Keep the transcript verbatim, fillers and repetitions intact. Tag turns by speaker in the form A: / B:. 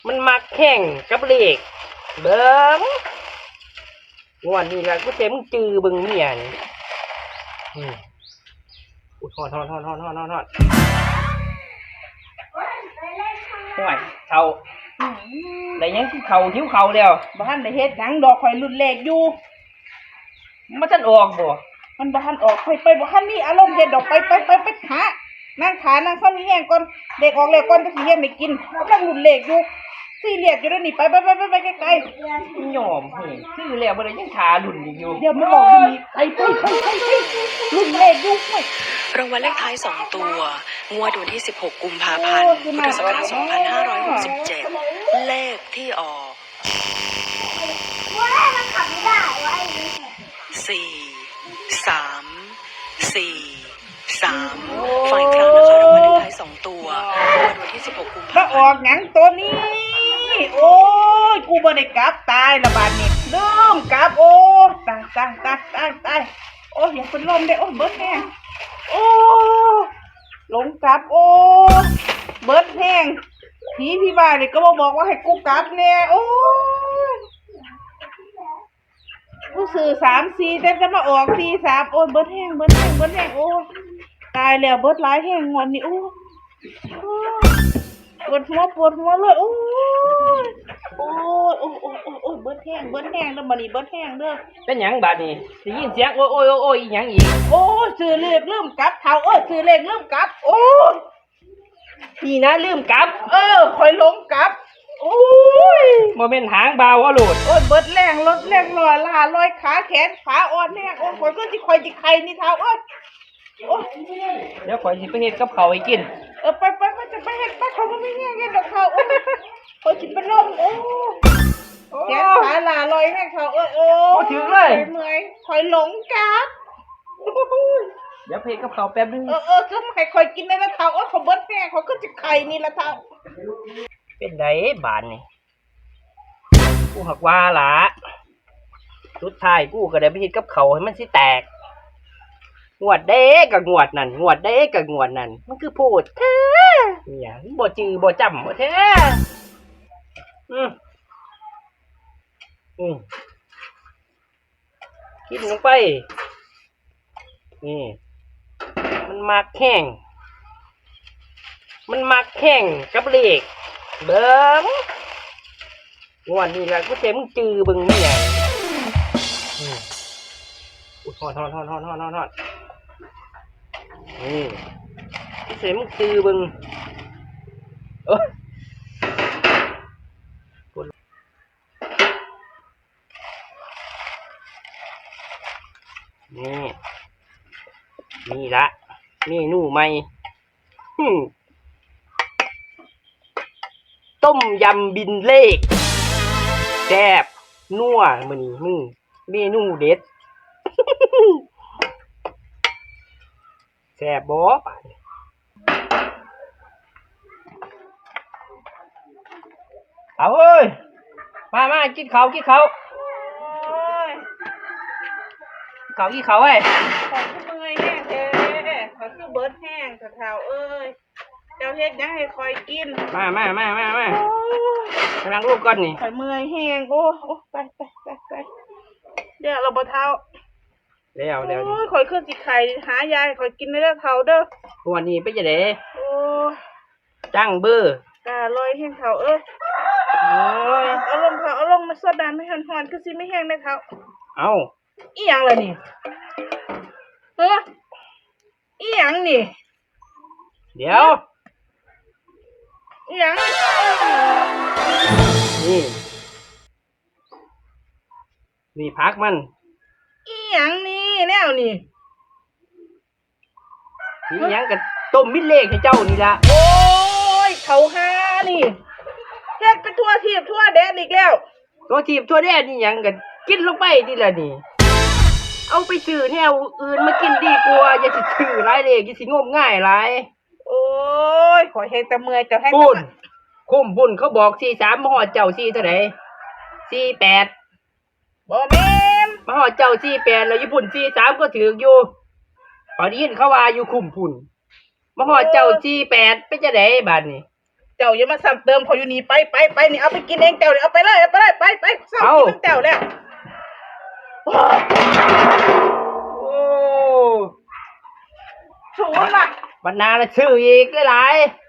A: มันมักแข่งกับเลขเบิ้งงวดนี้ละกูเต็มจือเบิ้งเมียนี่อืมอุ้ยทอดทอดทอดทอดทอดทอดทอดห่วยเขาได้ยังที่เขาหิ้วเขาแล้ว
B: บ้านได้เฮ็ดหยังดอกข่อยรุ่นแรกอยู่
A: มันทันออกบ่
B: มันบ้านออกไปไปบ้านนี่อารมณ์เฮ็ดดอกไปไปไปไปหานั่งขานั่งซ้อนนี่แห้งก่อนเด็กออกแล้วก่อนจะสิเฮ็ดให้กินกำลังรุ่นแรกอยู่สี่เรียกอยู่แล้วนี่ไปไปไปไปไปไกล
A: ๆยอมเฮ้ยซื้อแล้วบ่ได้ยังขาหลุ่นอยู่
B: เดี๋ยวมันบอกว่ามีไปไปไปไปรุ่นแรกอยู่ไม่
C: รางวัลเลขท้ายสองตัวงวดวันที่สิบหกกุมภาพันธ์พุทธศักราชสองพันห้าร้อยหกสิบเจ็ดเลขที่ออกสี่สามสี่สามฝ่ายครั้งนะคะรางวัลเลขท้ายสองตัวงวดวันที่สิบหกกุมภาพันธ์
B: ออกหยังตัวนี้โอ้ยกูบ่ได้กลับตายละบาดนี้ลืมกลับโอ้ตายตายตายตายตายโอ้ยอย่าเป็นลมได้โอ้เบิดแห้งโอ้หลงกลับโอ้เบิดแห้งผีพี่บ้านนี่ก็มาบอกว่าให้กูกลับเนี่ยโอ้กูสื่อสามสี่แต่จะมาออกสี่สามโอ้เบิดแห้งเบิดแห้งเบิดแห้งโอ้ตายแล้วเบิดหลายแห้งงอนนี่โอ้ปวดหัวปวดหัวเลยโอ้ยโอ้ยโอ้ยโอ้ยโอ้ยเบิดแห้งเบิดแห้งแล้วบัดนี้เบิดแห้งเด้อ
A: เป็นหยังบาดนี้ได้ยินเสียงโอ้ยโอ้ยโอ้ยอีหยังอีก
B: โอ้ยซื้อเลขลืมกลับเท่าเอ้ยซื้อเลขลืมกลับโอ้ย
A: นี่นะลืมกลับ
B: เออคอยหลงกลับโอ้ย
A: บ่แม่นหางเบาอะโลด
B: โอ้ยเบิดแรงรถแรงลอยล่าลอยขาแขนขาอ่อนแห้งโอ้ยคอยก็สิคอยสิไข่นี่เท่าเอ้ยโอ้ย
A: เดี๋ยวข่อยสิไปเฮ็ดกับข้าวให้กิน
B: เออไปไปไปจะไปเฮ็ดไปเขาบ่มีแห้งเฮ็ดดอกเขาโอ้ยคอยสิเป็นลมโอ้ยแขนขาล่าลอยแห้งเขาเอ้ยโอ้ย
A: บ่ถึงเลย
B: เมื่อยคอยหลงกลับ
A: เดี๋ยวเพลกับเขาแป๊บนึง
B: เออเออก็ให้คอยกินได้ละเท่าเออเขาเบิดแห้งเขาก็จะไข่นี่ละเท่า
A: เป็นไดบานนี่กูหักว่าละสุดท้ายกูก็ได้ไปเฮ็ดกับเขาให้มันสิแตกงวดเด้กับงวดนั่นงวดเด้กับงวดนั่นมันคือพูดแท้เนี่ยบ่จือบ่จำบ่แท้อืมอืมกินลงไปนี่มันมักแห้งมันมักแห้งกับเลขเบิ้งงวดนี้ละกูเต็มจือเบิ้งเมียอืมอุ้ยทอดทอดทอดทอดทอดทอดทอดนี่กูเต็มจือเบิ้งเออนี่นี่ละเมนูใหม่ต้มยำบินเลขแซ่บนัวมื้อนี้มึงเมนูเด็ดแซ่บบ่ปานเอาเอ้ยมามากินข้าวกินข้าวเขาอีเขาเอ้ย
B: ขอคือเมื่อยแห้งแท้ขอคือเบิดแห้งเท่าเอ้ยเจ้าเฮ็ดยังให้คอยกิน
A: มามามามามาไปนั่งรูปก่อนนี่
B: คอยเมื่อยแห้งโอ้โอ้ไปไปไปไปเดี๋ยวเราบ่เท่า
A: แล้วแล้ว
B: โอ้ยคอยขึ้นสิไข่หายายคอยกินได้เท่าเด้อ
A: วันนี้ไปจะเด้
B: โอ้
A: จังเบอร์
B: กาลอยแห้งเท่าเอ้ยโอ้ยเอาลงเท่าเอาลงมาสดน้ำให้หอนๆคือสิไม่แห้งได้เท่า
A: เอา
B: อีหยังล่ะนี่เอออีหยังนี่
A: เดี๋ยว
B: อีหยัง
A: นี่นี่พักมัน
B: อีหยังนี่แนวนี่
A: อีหยังกับต้มมิเลขให้เจ้านี่ละ
B: โอ้ยเขาหานี่เฮ็ดไปทั่วทีบทั่วแดนอีกแล้ว
A: ตัวทีบทั่วแดนนี่หยังกันกินลงไปนี่ละนี่เอาไปซื้อแนวอื่นมากินดีกว่าอย่าสิซื้อหลายเลขอย่าสิงมง่ายหลาย
B: โอ้ยขอเฮ็ดแต่เมื่อยจะให้
A: บุญคุ้มบุญเขาบอกสี่สามมาฮอดเจ้าสี่เท่าไหร่สี่แปด
B: บ่แม่น
A: มาฮอดเจ้าสี่แปดแล้วญี่ปุ่นสี่สามก็ถืออยู่พอได้ยินเขาว่าอยู่คุ้มพุ่นมาฮอดเจ้าสี่แปดเป็นจังได๋บัดนี้
B: จเจ้าอย่ามาซ้ำเติมเขาอยู่นี่ไปไปไปนี่เอาไปกินเองเจ้านี่เอาไปเลยเอาไปเลยไปไปซ้ำกินน้ำเจ้าแล้ว
A: โอ้
B: ศูนย์ล่ะ
A: บรรณาละชื่ออีกหลายๆ